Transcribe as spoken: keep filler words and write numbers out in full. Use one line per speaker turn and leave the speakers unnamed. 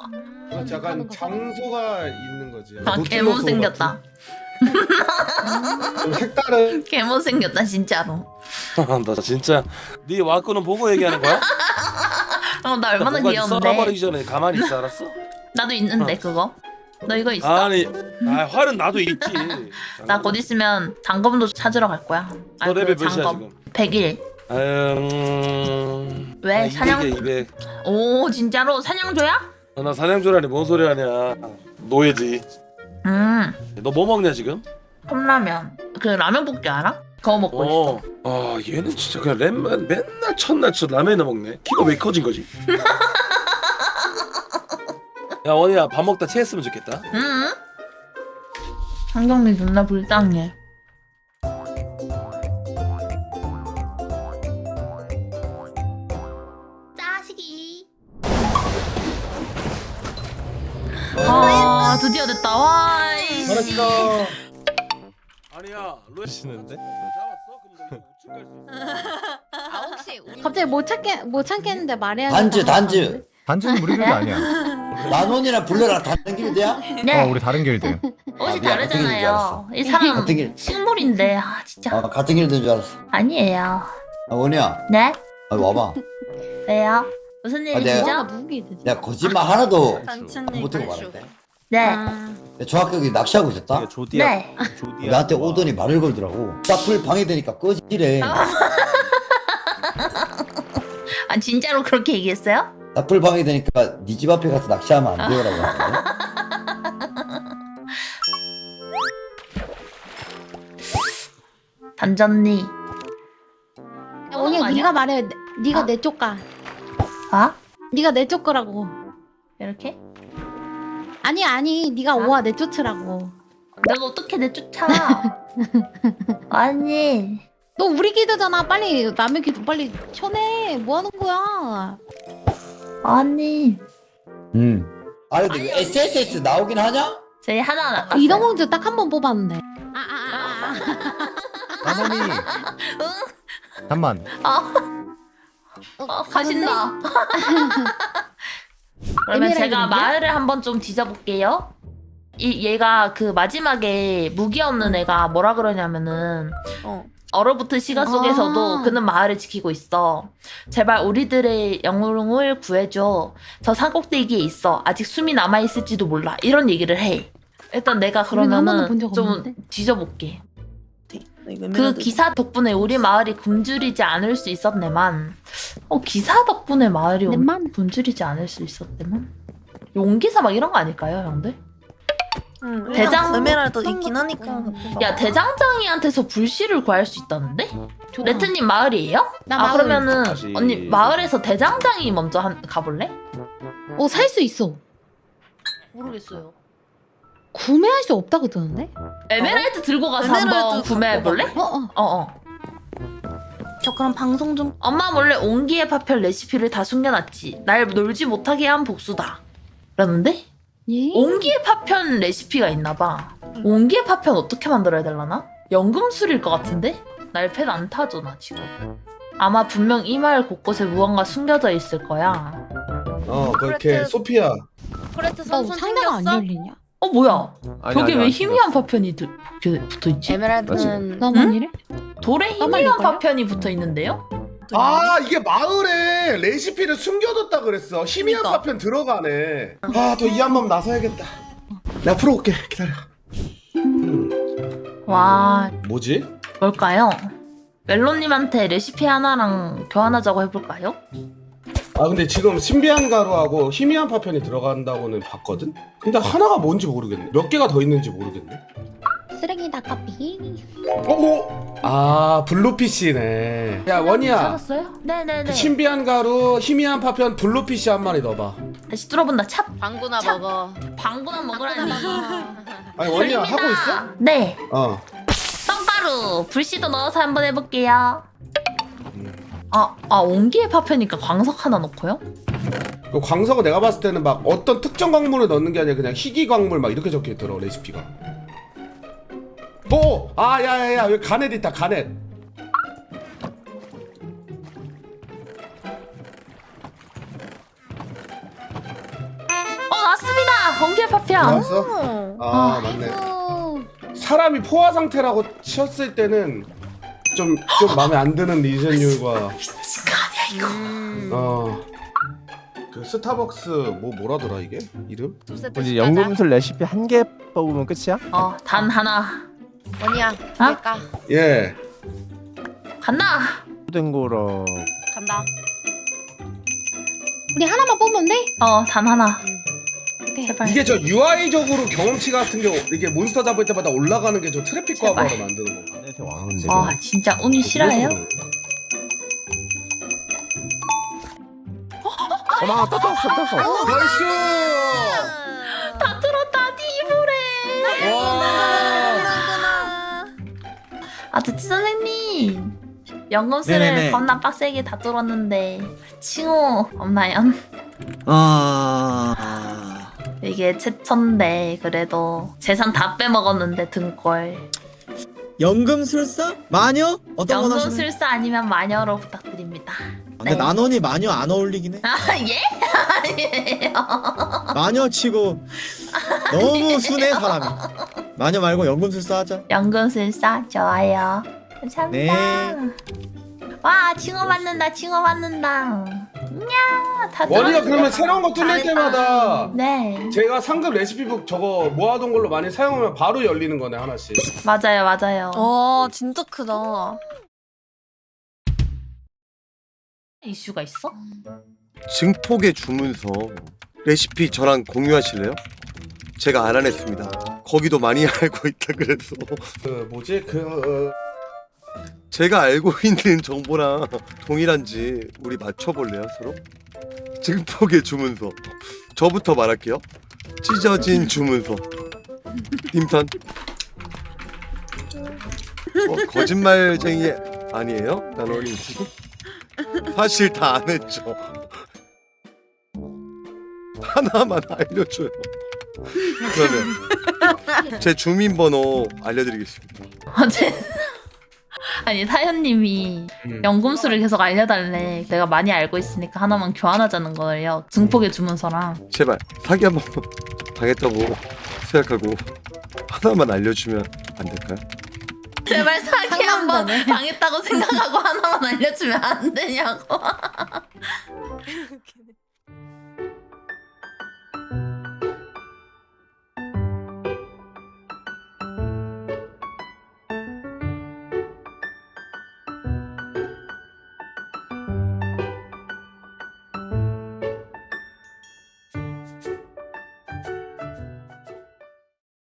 그렇지, 약간 장소가 있는 거지.
아,
노틸러스
개못생겼다.
같은 좀 색다른.
개못생겼다 진짜로.
나 진짜 네 와꾸는 보고 얘기하는 거야?
어, 나 얼마나
뭔가
귀여운데.
썰어버리기 전에 가만히 있어 알았어?
나도 있는데 그거. 너 이거 있어?
아니 아 활은 나도 있지.
나 곧 있으면 장검도 찾으러 갈 거야.
너
그
레벨 몇이야
장검.
지금?
백일.
음...
왜?
아,
사냥-
이백이야 이백.
오 진짜로 사냥조야?
어, 나 사냥조라니 뭔 소리 하냐. 노예지.
음.
너 뭐 먹냐 지금?
컵라면. 그 라면 볶기 알아? 그거 먹고 있어.
어. 아 얘는 진짜 그냥 램만 맨날 첫날 첫 라면이나 먹네. 키가 왜 커진 거지? 야 원이야 밥 먹다 체했으면 좋겠다.
응? 한경미 존나 불쌍해. 짜식이. 아 드디어 됐다. 와. 이씨.
잘했어.
아니야 로에
시는데?
잡았어? 그럼 너 우측 갈수 있어.
아 혹시 우리
갑자기 못 찾겠 못 찾겠는데 말해야
단지 단지
단지는 우리 길드 아니야.
만원이나 불러라 다른 길드야?
네.
어, 우리 다른 길드.
옷이
아, 미안, 같은 길인 줄
다르잖아요.
알았어.
이 사람
같은 길.
식물인데 아 진짜
아 같은 길드인 줄 알았어.
아니에요.
아 원이야,
네?
아, 와봐.
왜요? 무슨
아, 내가-
일이시죠?
누구게 되지?
내가 거짓말 하나도
단체님
못하고
발쇼.
말했대.
네.
아,
내가 정확히 여기 낚시하고 있었다.
조디아.
네.
조디아.
나한테 오더니 말을 걸더라고. 딱풀 방해되니까 꺼지래.
아 진짜로 그렇게 얘기했어요?
딱풀 방해되니까 네 집 앞에 가서 낚시하면 안 되요라고 하는데.
단전니.
야, 원이 네가 말해. 네- 네가
아?
내 쪽 가.
아?
네가 내 쪽 거라고.
이렇게?
아니 아니 네가
아?
오와 내 쫓으라고.
내가 어떻게 내쫓아? 아니.
너 우리 기드잖아. 빨리 남의 기드 빨리 쳐내. 뭐 하는 거야?
아니.
음. 아니 근데 이거 에스에스에스 나오긴 하냐?
저희 하나 나갔어요.
이동공주 딱 한 번 뽑았는데. 아아아.
나선이. 잠만.
아. 어, 가신다. 그러면
에메랄드
제가
무기야?
마을을 한번 좀 뒤져볼게요. 이 얘가 그 마지막에 무기 없는 애가 뭐라 그러냐면은
어.
얼어붙은 시간 속에서도
아.
그는 마을을 지키고 있어. 제발 우리들의 영웅을 구해줘. 저 산꼭대기에 있어. 아직 숨이 남아있을지도 몰라. 이런 얘기를 해. 일단 내가
우리는 한 번도 본
그러면은
적
좀
없는데?
뒤져볼게.
이거
그
에메랄드.
기사 덕분에 우리 마을이 굶주리지 않을 수 있었네만. 어 기사 덕분에 마을이
내만?
굶주리지 않을 수 있었대만. 용기사 막 이런 거 아닐까요, 형들?
응,
대장-
에메랄드
어떤
있긴
거-
하니까.
야 대장장이한테서 불씨를 구할 수 있다는데?
좋다.
레트님 마을이에요?
나
아
마을.
그러면은
다시-
언니 마을에서 대장장이 먼저 한, 가볼래?
어 살 수 있어.
모르겠어요.
구매할 수 없다고 뜨는데?
에메랄드 들고 가서
에메랄드
한번
갖고
구매해볼래?
어 어.
어어.
저 그럼 방송 좀.
엄마 몰래 옹기의 파편 레시피를 다 숨겨놨지. 날 놀지 못하게 한 복수다. 라는데?
예?
옹기의 파편 레시피가 있나봐. 옹기의 파편 어떻게 만들어야 되려나? 연금술일 것 같은데? 날패드 안 타죠 나 지금. 아마 분명 이 마을 곳곳에 무언가 숨겨져 있을 거야.
어 그렇게
그렇게-
소피아.
코레트
너
선수
상자가 안
생겼어?
열리냐?
어 뭐야?
아니,
벽에
아니,
왜
안
희미한 파편이 드, 그, 붙어있지?
에메랄드는
너만 이래?
돌에
까만
희미한
일걸요?
파편이 붙어있는데요?
아 이게 마을에 레시피를 숨겨뒀다 그랬어. 희미한
그니까.
파편 들어가네. 아더 이 한 번 나서야겠다. 내가 풀어올게. 기다려.
와
뭐지?
뭘까요? 멜로님한테 레시피 하나랑 교환하자고 해볼까요?
아 근데 지금 신비한 가루하고 희미한 파편이 들어간다고는 봤거든? 근데 하나가 뭔지 모르겠네. 몇 개가 더 있는지 모르겠네.
쓰레기다 카피.
어? 아 블루피쉬네. 야 원이야.
찾았어요? 네네네.
그 신비한 가루, 희미한 파편, 블루피쉬 한 마리 넣어봐.
다시 뚫어본다. 찹!
방구나
참.
먹어.
방구나 먹으라니.
아니 원이야 하고 있어?
네.
어.
썬가루 불씨도 넣어서 한번 해볼게요. 아, 아 옹기의 파편이니까 광석 하나 넣고요?
그 광석은 내가 봤을 때는 막 어떤 특정 광물을 넣는 게 아니라 그냥 희귀 광물 막 이렇게 적혀 있더라 레시피가. 오! 아 야야야 여기 가넷 있다 가넷.
어 왔습니다. 엉개 파편.
나왔어? 아 맞네.
아이고.
사람이 포화 상태라고 치었을 때는 좀 좀 마음에 안 드는 리젠율과
미친 거 아니야 이거.
음.
어. 그 스타벅스 뭐 뭐라더라 이게 이름?
두 세트
우리
시켜자.
연금술 레시피 한 개 뽑으면 끝이야?
어, 단 하나.
원이야.
어?
갈까?
예.
간다.
된 거라.
간다.
우리 하나만 뽑으면 돼?
어, 단 하나.
오케이.
제발.
이게 저 유아이적으로 경험치 같은 게 이게 몬스터 잡을 때마다 올라가는 게 저 트래픽
제발.
과부하로 만드는 건가?
안에서 왕인데.
아, 진짜 운이 싫어요?
어마 떴어 떴어 떴어.
나이스!
다 들었다, 디브레.
와!
아, 듣지 선생님. 연금술을
네네네.
겁나 빡세게 다 뚫었는데 칭호 없나요?
아...
이게 최천데 그래도 재산 다 빼먹었는데 등골.
연금술사? 마녀? 어떤 건 하시는?
연금술사 아니면 마녀로 부탁드립니다.
근데
네.
난원이 마녀 안 어울리긴 해.
아 예? 아니에요.
마녀 치고 너무 순해 사람이. 마녀 말고 연금술사 하자.
연금술사 좋아요. 감사합니다.
네.
와 칭호 받는다 칭호 받는다. 야, 다
원이가
들었는데.
그러면 새로운 거 뚫릴 때마다
네
제가 상급 레시피북 저거 모아둔 걸로 많이 사용하면 바로 열리는 거네 하나씩.
맞아요 맞아요.
어 진짜 크다.
이슈가 있어?
증폭의 주문서 레시피 저랑 공유하실래요? 제가 알아냈습니다. 거기도 많이 알고 있다 그래서
그 뭐지 그
제가 알고 있는 정보랑 동일한지 우리 맞춰볼래요 서로? 증폭의 주문서 저부터 말할게요. 찢어진 주문서 임선 어, 거짓말쟁이 아니에요? 나노님 지금? 사실 다 안 했죠. 하나만 알려줘요. 그러면 제 주민번호 알려드리겠습니다.
어제 아니 사연님이
음.
연금술을 계속 알려달래. 내가 많이 알고 있으니까 하나만 교환하자는 거예요. 증폭의 주문서랑.
제발 사기 한번 당했다고 생각하고 하나만 알려주면 안 될까요?
제발 사기 한번
상남자네.
당했다고 생각하고 하나만 알려주면 안 되냐고.